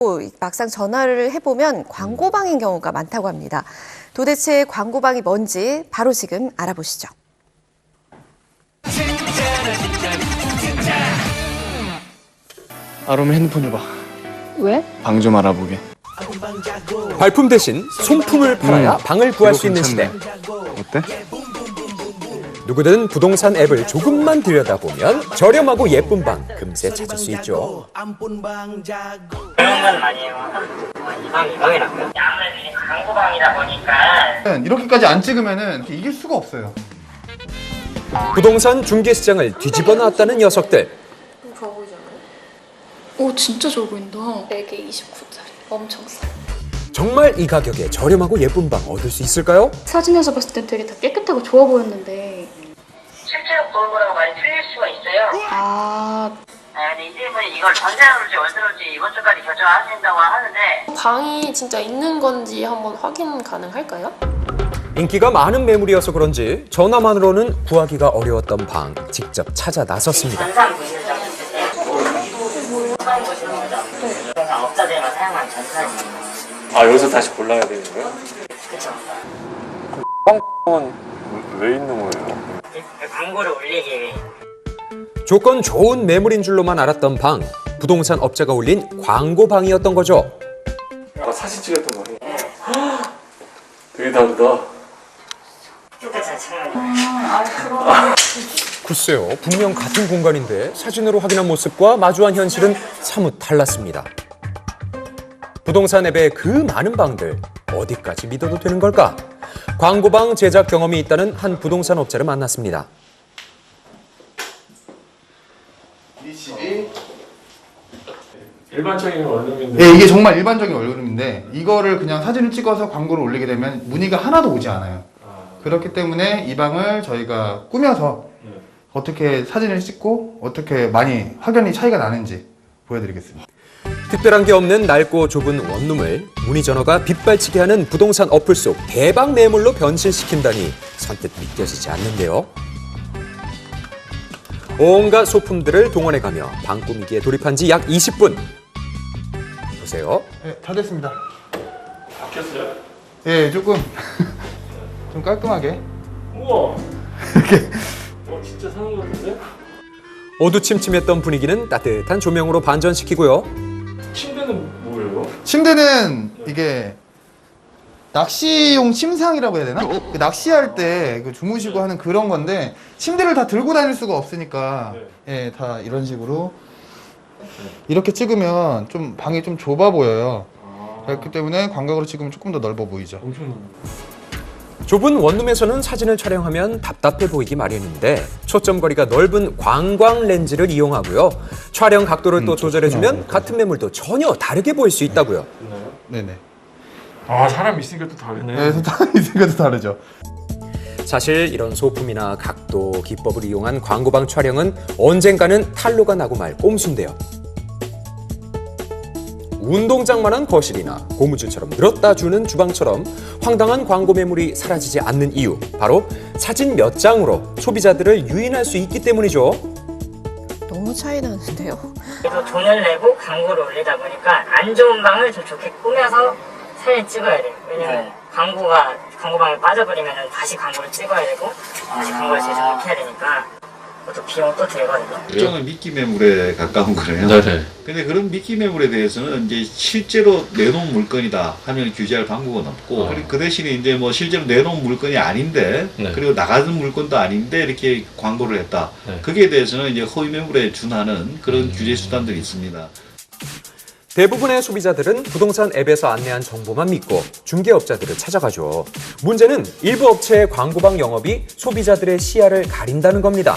막상 전화를 해보면 광고방인 경우가 많다고 합니다. 도대체 광고방이 뭔지 바로 지금 알아보시죠. 아롬이 핸드폰 줘봐. 왜? 방 좀 알아보게. 발품 대신 손품을 팔아야 방을 구할 수 있는 시대. 어때? 누구든 부동산 앱을 조금만 들여다보면 저렴하고 예쁜 방 금세 찾을 수 있죠. 그런 건 아니에요. 이방이라고요. 아무래도 이게 광고방이다 보니까 이렇게까지 안 찍으면은 이길 수가 없어요. 부동산 중개시장을 뒤집어 놨다는 녀석들. 좋아 보이잖아요? 오 진짜 좋아 보인다. 4개 29짜리 엄청 싸. 정말 이 가격에 저렴하고 예쁜 방 얻을 수 있을까요? 사진에서 봤을 땐 되게 다 깨끗하고 좋아 보였는데 실제로 본 거랑 많이 틀릴 수가 있어요. 아 근데 이제분이 이걸 전세로지 월세로지 이번 주까지 결정하신다고 하는데 방이 진짜 있는 건지 한번 확인 가능할까요? 인기가 많은 매물이어서 그런지 전화만으로는 구하기가 어려웠던 방 직접 찾아 나섰습니다. 전산 보시는 점 있을 때 전산 보시는 거죠. 그러니까 업자들만 사용한 전산이에요. 아, 여기서 다시 골라야 되는 거야? 그쵸. 뻥은 왜 있는 거예요? 광고를 올리기 위해. 조건 좋은 매물인 줄로만 알았던 방, 부동산 업자가 올린 광고방이었던 거죠. 아, 사진 찍었던 거네. 되게 다르다. 똑같은 창문이에요. 글쎄요, 분명 같은 공간인데 사진으로 확인한 모습과 마주한 현실은 사뭇 달랐습니다. 부동산 앱의 그 많은 방들 어디까지 믿어도 되는 걸까? 광고방 제작 경험이 있다는 한 부동산 업자를 만났습니다. 이 집이 일반적인 원룸인데. 예, 이게 정말 일반적인 원룸인데 이거를 그냥 사진을 찍어서 광고를 올리게 되면 문의가 하나도 오지 않아요. 그렇기 때문에 이 방을 저희가 꾸며서 어떻게 사진을 찍고 어떻게 많이 확연히 차이가 나는지 보여드리겠습니다. 특별한 게 없는 낡고 좁은 원룸을 문의 전화가 빗발치게 하는 부동산 어플 속 대박 매물로 변신시킨다니 선뜻 믿겨지지 않는데요. 온갖 소품들을 동원해가며 방 꾸미기에 돌입한 지 약 20분. 보세요. 네, 다 됐습니다. 바뀌었어요? 예, 조금 좀 깔끔하게. 우와. 이렇게 진짜 사는 거 같은데? 어두침침했던 분위기는 따뜻한 조명으로 반전시키고요. 침대는 뭐예요? 침대는 이게 낚시용 침상이라고 해야 되나? 그 낚시할 때 주무시고 하는 그런 건데 침대를 다 들고 다닐 수가 없으니까 예, 다 이런 식으로 이렇게 찍으면 좀 방이 좀 좁아 보여요. 그렇기 때문에 광각으로 찍으면 조금 더 넓어 보이죠. 엄청 좁은 원룸에서는 사진을 촬영하면 답답해 보이기 마련인데 초점거리가 넓은 광광 렌즈를 이용하고요. 촬영 각도를 또 조절해주면 같은 매물도 전혀 다르게 보일 수 있다고요. 네네. 아, 사람 있으니까 또 다르네. 네, 생각도 다르죠. 사실 이런 소품이나 각도, 기법을 이용한 광고방 촬영은 언젠가는 탄로가 나고 말 꼼수인데요. 운동장만한 거실이나 고무줄처럼 늘었다 주는 주방처럼 황당한 광고 매물이 사라지지 않는 이유, 바로 사진 몇 장으로 소비자들을 유인할 수 있기 때문이죠. 너무 차이 나는데요. 그래서 돈을 내고 광고를 올리다 보니까 안 좋은 방을 좀 좋게 꾸며서 사진 찍어야 돼요. 왜냐면 광고방에 빠져버리면 다시 광고를 찍어야 되고 다시 광고를 제작을 해야 되니까 그것도 비용 또 들거든요. 일종은 미끼 매물에 가까운 거래요. 네네. 근데 그런 미끼 매물에 대해서는 이제 실제로 내놓은 물건이다 하면 규제할 방법은 없고, 그리고 그 대신에 이제 뭐 실제로 내놓은 물건이 아닌데, 네. 그리고 나가는 물건도 아닌데 이렇게 광고를 했다. 네. 거기에 대해서는 이제 허위 매물에 준하는 그런 규제 수단들이 있습니다. 대부분의 소비자들은 부동산 앱에서 안내한 정보만 믿고 중개업자들을 찾아가죠. 문제는 일부 업체의 광고방 영업이 소비자들의 시야를 가린다는 겁니다.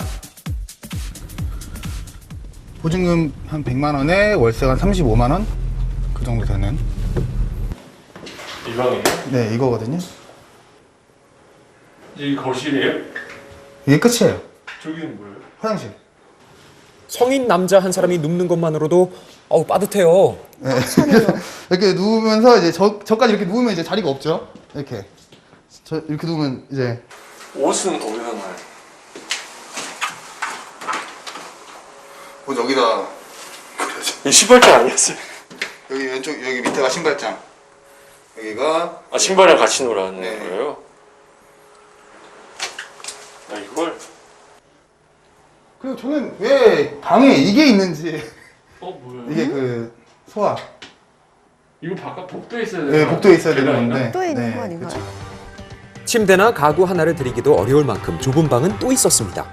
보증금 한 100만 원에 월세가 한 35만 원? 그 정도 되는. 이 방이에요? 네, 이거거든요. 이 거실이에요? 이게 끝이에요. 저기는 뭐예요? 화장실. 성인 남자 한 사람이 눕는 것만으로도 빠듯해요. 네. 이렇게 누우면서 이제 저까지 이렇게 누우면 이제 자리가 없죠. 이렇게. 이렇게 누우면 이제 옷은 어디서 나요? 뭐 여기다 이 신발장 아니었어요? 여기 왼쪽 여기 밑에가 신발장. 여기가 아 신발이랑 같이 놀았는 네. 거예요? 아 이걸? 그리고 저는 왜 방에 이게 있는지 뭐예요? 이게 그 소화. 이거 바깥 복도에 있어야 되는 네, 거 복도에 있어야 되는 계단인가? 건데. 또 있는 네, 거 아닌가요? 그쵸. 침대나 가구 하나를 들이기도 어려울 만큼 좁은 방은 또 있었습니다.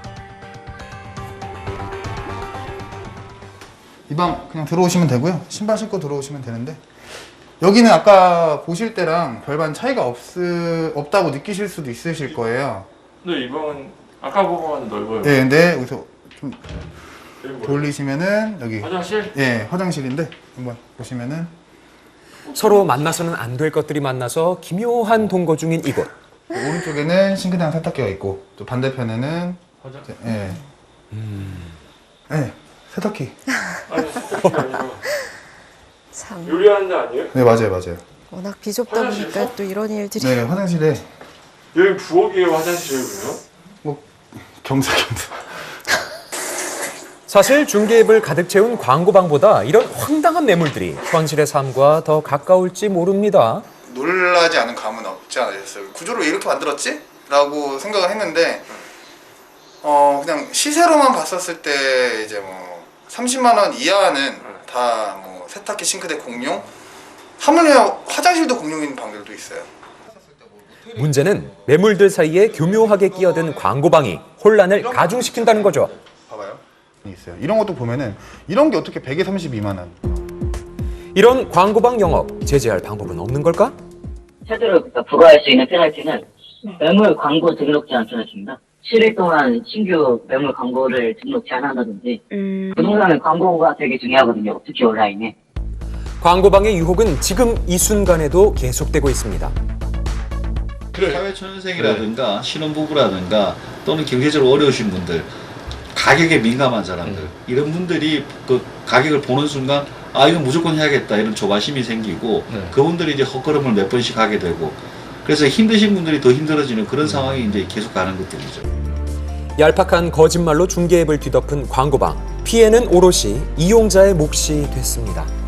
이 방 그냥 들어오시면 되고요. 신발 신고 들어오시면 되는데 여기는 아까 보실 때랑 별반 차이가 없다고 느끼실 수도 있으실 거예요. 근데 이 방은 아까 보고는 넓어요. 네, 근데 여기서 좀 여기 뭐예요? 돌리시면은 여기 화장실? 예 화장실인데 한번 보시면은 서로 만나서는 안 될 것들이 만나서 기묘한 동거 중인 이곳. 오른쪽에는 싱크대랑 세탁기가 있고 또 반대편에는 화장실? 예. 네, 세탁기. 아니 세탁기가 아니라 참 요리하는 데 아니에요? 네, 맞아요. 워낙 비좁다 보니까 또 이런 일들이. 네, 화장실에 여기 부엌이에요 화장실이고요? 뭐 겸사겸사. 사실 중개입을 가득 채운 광고방보다 이런 황당한 매물들이 현실의 삶과 더 가까울지 모릅니다. 놀라지 않은 감은 없지 않으셨어요? 구조를 왜 이렇게 만들었지? 라고 생각을 했는데 그냥 시세로만 봤었을 때 이제 뭐 30만 원 이하는 다 뭐 세탁기, 싱크대 공용, 하물며 화장실도 공용인 방들도 있어요. 문제는 매물들 사이에 교묘하게 끼어든 광고방이 혼란을 가중시킨다는 거죠. 봐봐요. 있어요. 이런 것도 보면은 이런 게 어떻게 100에 32만 원? 이런 광고방 영업 제재할 방법은 없는 걸까? 최대로 부과할 수 있는 페널티는 매물 광고 등록 제한 페널티입니다. 7일 동안 신규 매물 광고를 등록 제한한다든지 부동산은 광고가 되게 중요하거든요. 특히 온라인에. 광고방의 유혹은 지금 이 순간에도 계속되고 있습니다. 사회초년생이라든가 신혼부부라든가 또는 경제적으로 어려우신 분들, 가격에 민감한 사람들, 이런 분들이 그 가격을 보는 순간 아 이건 무조건 해야겠다 이런 조바심이 생기고 그분들이 이제 헛걸음을 몇 번씩 하게 되고 그래서 힘드신 분들이 더 힘들어지는 그런 상황이 이제 계속 가는 것들이죠. 얄팍한 거짓말로 중개앱을 뒤덮은 광고방. 피해는 오롯이 이용자의 몫이 됐습니다.